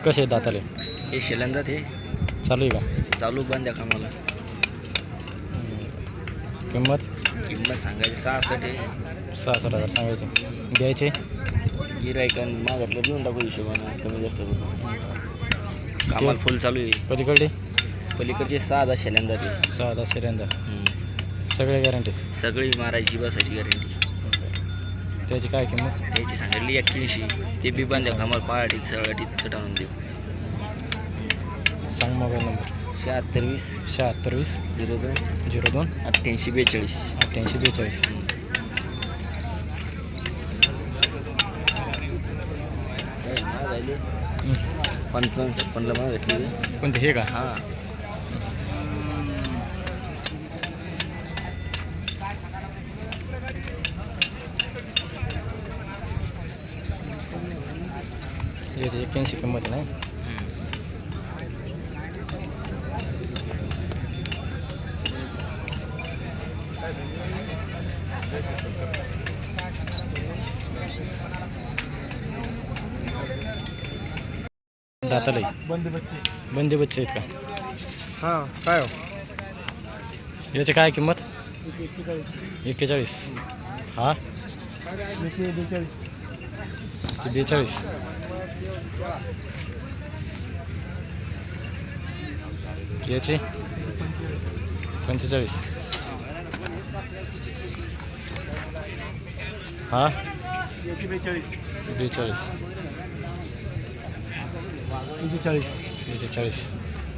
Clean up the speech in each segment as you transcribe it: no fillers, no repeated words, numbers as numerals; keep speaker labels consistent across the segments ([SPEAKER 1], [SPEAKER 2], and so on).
[SPEAKER 1] कसे दाताले?
[SPEAKER 2] हे शेलंदा ते
[SPEAKER 1] चालू आहे का?
[SPEAKER 2] चालू बंद आहे कामाला.
[SPEAKER 1] किंमत
[SPEAKER 2] सांगायची 66 आहे.
[SPEAKER 1] 66,000 सांगायचे. द्यायचे
[SPEAKER 2] गिरायकन मागतलं देऊन टाकू हिशोबानं कमी जास्त करून. कामाला फुल चालू आहे.
[SPEAKER 1] पलीकडे
[SPEAKER 2] पलीकडचे 6,000 शेलंदा ते.
[SPEAKER 1] 6,000 सिलेंडर. सगळे गॅरंटी.
[SPEAKER 2] सगळी मारायची बसायची गॅरंटी.
[SPEAKER 1] त्याची काय किंमत?
[SPEAKER 2] त्याची सांगितली 81. ते बी बंद आहे कामाला. पहाटी सगळ्याटी चढवून देऊ.
[SPEAKER 1] सांग मोबाईल नंबर.
[SPEAKER 2] 76
[SPEAKER 1] 76
[SPEAKER 2] 02
[SPEAKER 1] 02
[SPEAKER 2] 88 42
[SPEAKER 1] 88 42.
[SPEAKER 2] झाले 55 मला भेटली.
[SPEAKER 1] कोणते हे का?
[SPEAKER 2] हां
[SPEAKER 1] याची 81 किंमत आहे ना. दाताला बंदी बच्चे आहेत का?
[SPEAKER 2] हां काय हो?
[SPEAKER 1] याची काय किंमत? 41. हा 42. याची 45. हा
[SPEAKER 2] 42
[SPEAKER 1] 42. 40.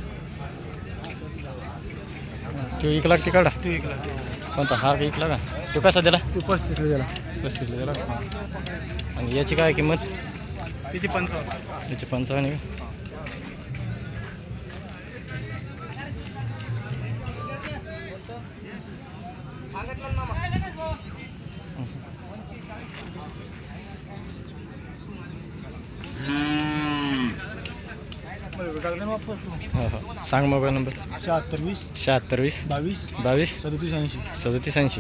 [SPEAKER 1] तू 1 लाख तिकडा कोणता? हा 1 लाख. तो कसा दिला?
[SPEAKER 2] 35 दिला.
[SPEAKER 1] 35 दिला. आणि याची काय किंमत?
[SPEAKER 2] त्याची 55.
[SPEAKER 1] याची 55.
[SPEAKER 2] वापस तू.
[SPEAKER 1] हो सांग मोबाईल नंबर.
[SPEAKER 2] 76
[SPEAKER 1] 76
[SPEAKER 2] 22
[SPEAKER 1] 22
[SPEAKER 2] 37 80.
[SPEAKER 1] 37 80.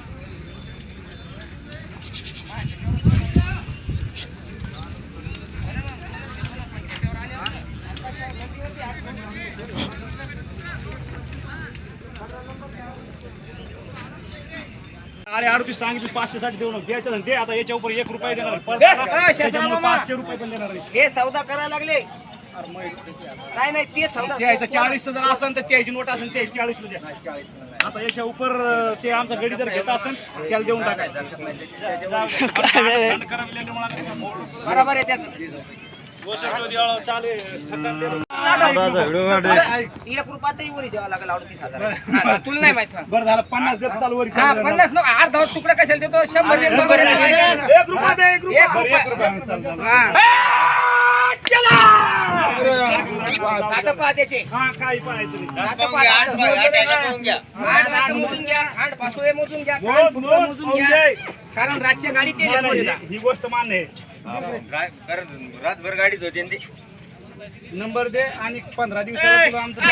[SPEAKER 3] अरे 38 सांगितलं 560 देऊ नको द्यायचं दे. आता याच्या उपर 1 रुपया देणार. 500 रुपये पण देणार.
[SPEAKER 4] हे सौदा करायला लागले. नाही ते सौदा
[SPEAKER 3] द्यायचं 40 जर असेल तर त्याची नोट असेल ते 40 द्या. आता याच्या उपर ते आमचा गडी जर घेत असेल त्याला देऊन टाकायचं.
[SPEAKER 4] बरोबर आहे त्याचं. 1 रुपयातही वरी द्यावा लागेल. 38,000 तुला नाही माहित.
[SPEAKER 3] बरं झालं 50 देत चालू वर.
[SPEAKER 4] 50 नको. अर्धा तुकडा कशाला देतो? 100
[SPEAKER 3] 1 रुपया दे. 1 रुपया.
[SPEAKER 4] दात पहा त्याचे.
[SPEAKER 3] हा काही पाहायचं नाही.
[SPEAKER 4] दात पहा. मोजून घ्या. खांड पासोळे मोजून घ्या. कान फुटलं मोजून घ्या. कारण रातच्या गाडी ते
[SPEAKER 3] ही गोष्ट मान्य आहे.
[SPEAKER 2] रातभर गाडीत होते ते.
[SPEAKER 3] नंबर दे आणि 15 दिवसाला तुला आमचं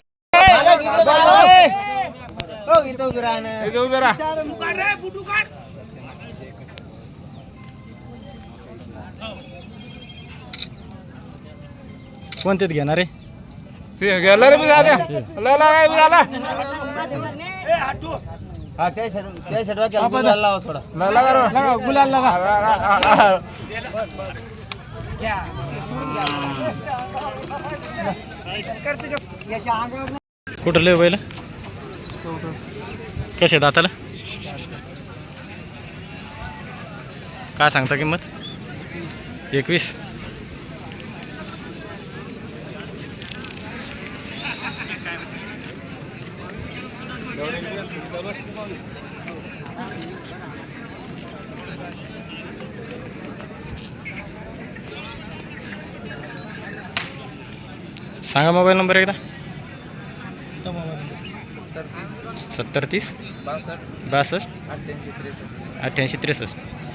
[SPEAKER 1] कोणतेच घेणार आहे?
[SPEAKER 2] ते गेला रे. झाला
[SPEAKER 4] हा त्या गुलाल थोडा
[SPEAKER 1] गुलाल लागा. कुठं लय बैल? कसे दाताला? काय सांगता किंमत? 21. सांगा मोबाईल नंबर एकदा. 70 30 62 88 63.